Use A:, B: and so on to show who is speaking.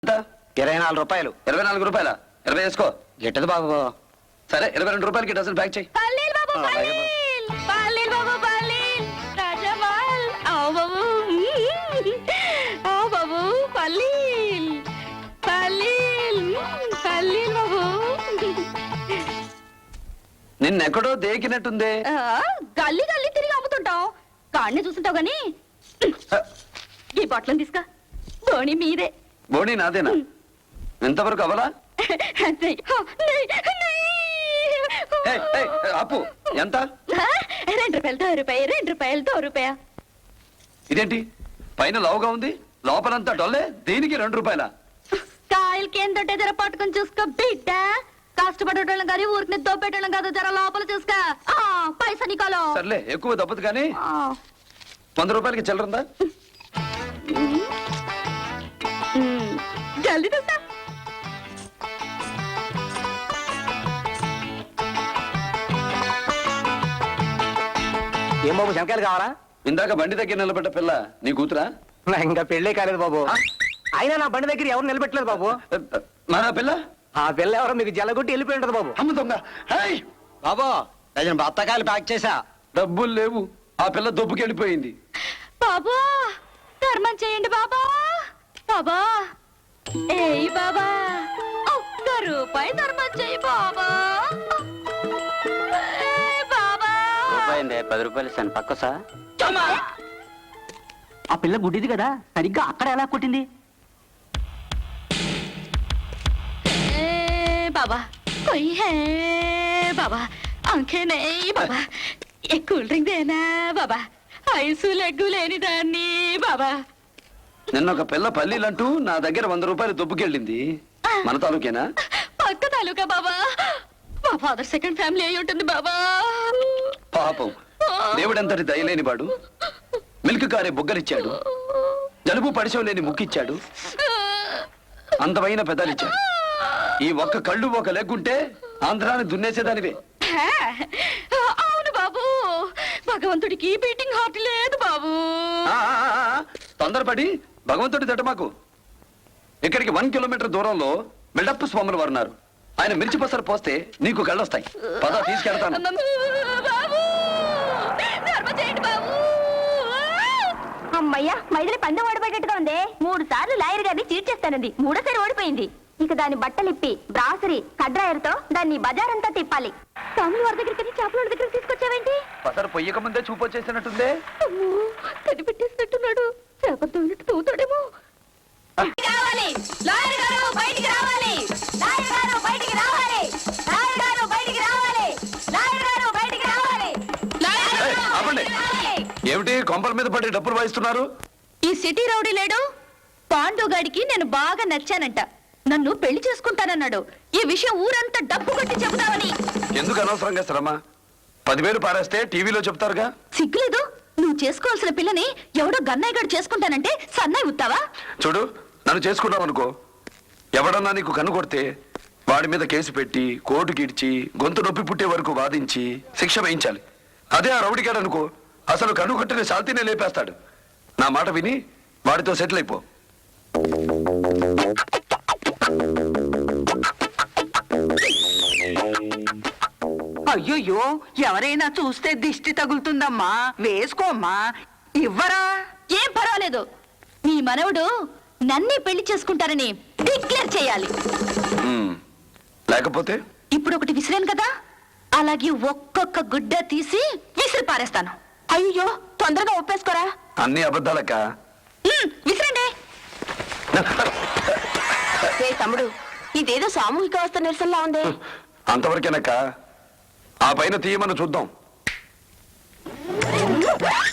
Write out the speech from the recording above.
A: 24 రూపాయలు.
B: 24 రూపాయల 20 వేసుకో.
A: గిట్టదు బాబు.
B: సరే 22 రూపాయలకి డజన్ ప్యాక్ చేయి.
C: పల్లీల్ బాబు పల్లీల్ పల్లీల్ బాబు పల్లీల్ రాజమాల్ ఆవ్ బాబు ఆవ్ బాబు పల్లీల్ పల్లీల్ పల్లీల్ బాబు
B: నిన్నెక్కడో దేకినట్టుందే.
C: గల్లీ గల్లీ తిరిగి అమ్ముతుంటావు కాడిని చూస్తుంటావు గాని ఈ బట్టలను తీసుకా ధోని మీదే.
B: బోణి నాదేనా? ఎంతవరకు అవలా? అప్పు ఎంత?
C: 2 రూపాయలు 2 రూపాయలు.
B: ఇదేంటి పైన లావుగా ఉంది లోపలంతా డొల్లే? దీనికి 2 రూపాయల?
C: కాయలకి ఏంటంటే జర పట్టుకుని చూసుకో బిడ్డ. కష్టపడేటోళ్ళం కానీ ఊరికి దోపేటోళ్ళం కాదు. జర లోపల చూసుకో. పైసా నీకోలో
B: సర్లే ఎక్కువ దప్పదు కానీ 100 రూపాయలకి చిల్లరుందా?
C: జల్దీ చూస్తా.
A: ఏం బాబు శంకాయలు కావాలా?
B: ఇందాక బండి దగ్గర నిలబడ్డ పిల్ల నీ కూతురా?
A: ఇంకా పెళ్ళే కాలేదు బాబు. అయినా నా బండి దగ్గర ఎవరు నిలబెట్టలేదు బాబు.
B: మన పిల్ల?
A: ఆ పిల్ల ఎవరో మీకు జల్లగొట్టి వెళ్ళిపోయి ఉంటది బాబు.
B: అమ్మ దొంగ.
A: బాబు డజన్ బత్తకాయలు ప్యాక్ చేసా.
B: డబ్బులు లేవు. ఆ పిల్ల దొబ్బుకెళ్ళిపోయింది.
C: బాబా ధర్మం చేయండి బాబా. బాబా ఏయ్ బాబా 1 రూపాయి ధర్మం చేయి బాబా. బాబా
A: 10 రూపాయలు ఇస్తాను పక్క సార్. ఆ పిల్ల గుడ్డిది కదా సరిగ్గా అక్కడ ఎలా కొట్టింది?
C: బాబా कोई है बाबा आंखें नहीं बाबा एक కూల్ డ్రింక్ దేనా బాబా. ఐసు లెగ్గు లేని దాన్ని బాబా.
B: నిన్న ఒక పిల్ల పల్లీలంటూ నా దగ్గర 100 రూపాయలు దొబ్బుకెళ్ళింది. మన తాలూకేనా?
C: పక్క తాలూకా బాబా. మా ఫాదర్ సెకండ్ ఫ్యామిలీ అయి ఉంటుంది బాబా.
B: పాపం దేవుడంతటి దయలేని వాడు మిల్క్ కారే బుగ్గలిచ్చాడు. జలుబు పడిశం లేని ముక్కిచ్చాడు. అందమైన పెదాలిచ్చాడు. ఈ ఒక్క కళ్ళు ఒక లెగ్గుంటే ఆంధ్రాన్ని దున్నేసేదానివే.
C: అవును బాబు భగవంతుడికి బీటింగ్ హార్ట్ లేదు బాబు.
B: తొందరపడి భగవంతుడి దట మాకు. ఇక్కడికి 1 కిలోమీటర్ దూరంలో బిల్డప్ స్వాములు వారు ఉన్నారు. ఆయన మిర్చి పసరు పోస్తే నీకు కళ్ళొస్తాయి. పద తీసుకెళ్తాను.
C: అమ్మయ్యా మైదిలి పందెం ఓడిపోయేట్టుగా ఉంది. 3 సార్లు లాయర్ గారిని చీట్ చేస్తానంది. 3ఓసారి ఓడిపోయింది. ఇక దాని బట్టలిప్పి బ్రాసరీ కడ్రాయర్తో దాన్ని బజారంతా తిప్పాలి. స్వాముల వారి దగ్గరికి చేపల దగ్గర తీసుకొచ్చావేంటి?
B: పసరు పొయ్యక ముందే చూపొచ్చేసినట్టుందే.
C: కనిపెట్టేసినట్టున్నాడు. చేపలతో ఉన్నట్టు తవ్వుతాడేమో. రావాలి లాయర్ గారు బయటికి రావాలి. లాయర్ గారు బయటికి రావాలి. లాయర్ గారు బయటికి రావాలి. లాయర్ గారు బయటికి రావాలి.
B: ఆపండి. ఏమిటి కొంపల మీద పడి డబ్బులు వాయిస్తున్నారు?
C: ఈ సిటీ రౌడీ లేడు పాండుగాడికి నేను బాగా నచ్చానంట. నన్ను పెళ్లి చేసుకుంటానన్నాడు. ఈ విషయం ఊరంతా డబ్బు కొట్టి చెబుతావని.
B: ఎందుకు అనవసరంగా శ్రమ? 10,000 పారేస్తే టీవీలో చెప్తారుగా.
C: సిగ్గులేదు? నువ్వు చేసుకోవాల్సిన పిల్లని ఎవడో గన్నయ్య గారు చేసుకుంటానంటే సన్నాయి ఉత్తావా?
B: చూడు నన్ను చేసుకున్నావు అనుకో, ఎవడన్నా నీకు కన్ను కొడితే వాడి మీద కేసు పెట్టి కోర్టుకి ఇడ్చి గొంతు నొప్పి పుట్టే వరకు వాదించి శిక్ష వేయించాలి. అదే ఆ రౌడీగాడు అనుకో, అసలు కన్ను కొట్టిన శాంతినే లేపేస్తాడు. నా మాట విని వాడితో సెటిల్ అయిపో.
D: అయ్యో ఎవరైనా చూస్తే దిష్టి తగులుతుందమ్మా. వేసుకోమ్మా. ఇవ్వరా?
C: ఏం పర్వాలేదు. మీ మనవడు నన్నే పెళ్లి చేసుకుంటారని డిక్లేర్ చేయాలి.
B: లేకపోతే
C: ఇప్పుడు ఒకటి విసిరాను కదా, అలాగే ఒక్కొక్క గుడ్డ తీసి విసిరి పారేస్తాను. అయ్యో తొందరగా ఒప్పేసుకోరా.
B: అన్ని అబద్ధాలక్క.
C: విసిరండి.
D: తమ్ముడు ఇదేదో సామూహిక అవస్థ నిరసనలా ఉంది.
B: అంతవరకేనక్క. ఆ పైన తీయమని చూద్దాం.